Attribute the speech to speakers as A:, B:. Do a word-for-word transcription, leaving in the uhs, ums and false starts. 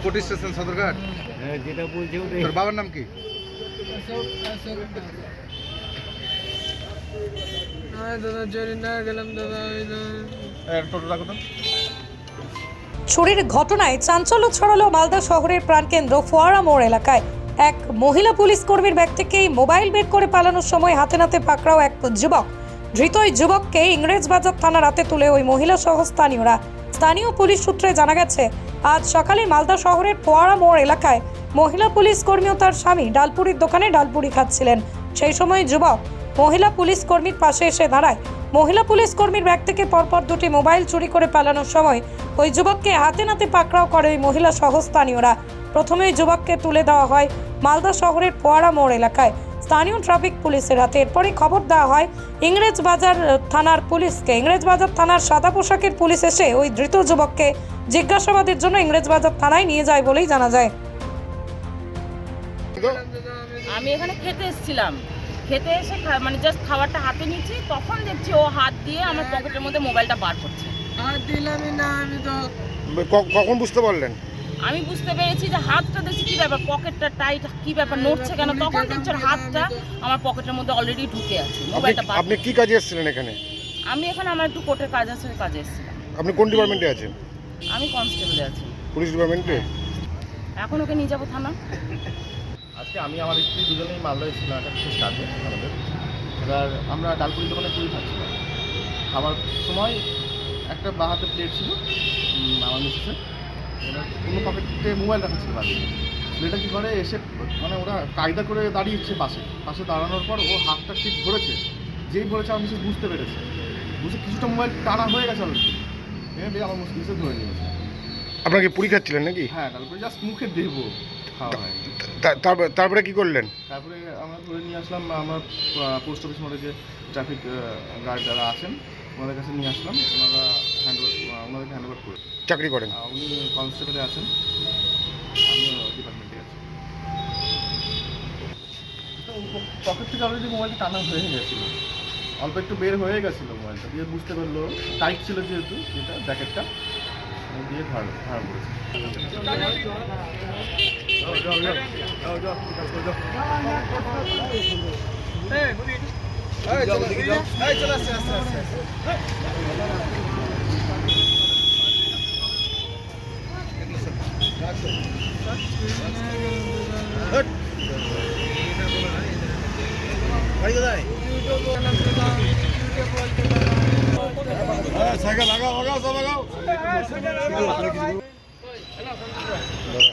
A: কোটি স্টেশন সদরঘাট।
B: হ্যাঁ, যেটা বলছে ওটাই।
A: তোর বাবার নাম কি? টোটো রাখো তো।
C: চুরির ঘটনায় চাঞ্চল্য ছড়ালো মালদা শহরের প্রাণকেন্দ্র ফোয়ারা মোড় এলাকায়। এক মহিলা পুলিশ কর্মীর ব্যাগ থেকে মোবাইল বের করে পালানোর সময় হাতে নাতে পাকড়াও এক যুবক। ধৃত ওই যুবককে ইংরেজবাজার থানার হাতে তুলে ওই মহিলা সহ স্থানীয়রা। স্থানীয় পুলিশ সূত্রে জানা গেছে, আজ সকালে মালদা শহরের ফোয়ারা মোড় এলাকায় মহিলা পুলিশ কর্মী ও তার স্বামী ডালপুরির দোকানে ডালপুরি খাচ্ছিলেন। সেই সময় যুবক মহিলা পুলিশ কর্মীর পাশে এসে দাঁড়ায়। মহিলা পুলিশ কর্মীর ব্যাগ থেকে পরপর দুটি মোবাইল চুরি করে পালানোর সময় ওই যুবককে হাতে নাতে পাকড়াও করে ওই মহিলা সহ স্থানীয়রা। প্রথমে ওই যুবককে তুলে দেওয়া হয় মালদা শহরের ফোয়ারা মোড় এলাকায় স্থানীয় ট্রাফিক পুলিশের হাতে। এরপরই খবর দেওয়া হয় ইংরেজবাজার থানার পুলিশকে। ইংরেজবাজার থানার সাদা পোশাকের পুলিশ এসে ওই ধৃত যুবককে জিজ্ঞাসাবাদের জন্য ইংরেজবাজার থানায় নিয়ে যায় বলেই জানা যায়।
D: আমি এখানে খেতে এসেছিলাম, খেতে এসে মানে জাস্ট খাবারটা হাতে নিচ্ছি, তখন দেখছি ও হাত দিয়ে আমার পকেটের মধ্যে মোবাইলটা বার করছে।
E: হাত দিলামই না আমি তো।
A: কখন বুঝতে পারলেন?
D: আমি বুঝতে পেরেছি যে হাতটা দেখছি কি ব্যাপার, পকেটটা টাইট, কি ব্যাপার নড়ছে কেন, তখন দেখছি ওর হাতটা আমার পকেটের মধ্যে অলরেডি ঢুকে আছে। মোবাইলটা বার।
A: আপনি কি কাজে এসেছিলেন এখানে?
D: আমি এখানে আমার একটু কোর্টের কাজ আছে, কাজে এসেছিলাম।
A: আপনি কোন ডিপার্টমেন্টে আছেন?
D: আমি কনস্টেবলে আছি।
A: পুলিশ ডিপার্টমেন্টে?
D: এখন ওকে নিয়ে যাবো থানা।
F: আজকে আমি আমার স্ত্রী দুজনেই মালদা এসেছিলাম একটা বিশেষ কাজে আমাদের। এবার আমরা ডালপুরি দোকানে পুরি খাচ্ছিলাম। খাবার সময় একটা বা হাতে প্লেট ছিল আমার মিসেসের, এবার কোনো পকেটে মোবাইল রাখা ছিল বাড়ি। ছেলেটা কী করে এসে মানে ওরা কায়দা করে দাঁড়িয়েছে পাশে পাশে দাঁড়ানোর পর ও হাতটা ঠিক ধরেছে। যেই ধরেছে আমার মিসেস বুঝতে পেরেছে, বুঝে কিছুটা মোবাইল টানা হয়ে গেছে অলরেডি, এবার আমার মিসেস ধরে নিয়েছে।
A: আপনাকে পুরি খাচ্ছিলেন নাকি?
F: হ্যাঁ, ডালপুরি জাস্ট মুখে দেবো, খাওয়া হয়নি।
A: তারপরে কি করলেন?
F: তারপরে আমরা ধরে নিয়ে আসলাম আমার পোস্ট অফিস মোড়ে যে ট্রাফিক গার্ড যারা আছেন ওনাদের কাছে নিয়ে আসলাম। ওনারা হ্যান্ড ওনাদেরকে হ্যান্ড ওভার করে
A: চাকরি করেন?
F: উনি কনস্টেবলে আছেন, আমি ডিপার্টমেন্টে আছি। পকেট থেকে অলরেডি মোবাইলটা টানা হয়ে গেছিলো, অল্প একটু বের হয়ে গেছিলো মোবাইলটা, দিয়ে বুঝতে পারলো টাইট ছিল যেহেতু যেটা জ্যাকেটটা দিয়ে ধার ধার করেছে।
A: সাইকেল লাগাও লাগাও সব লাগাও।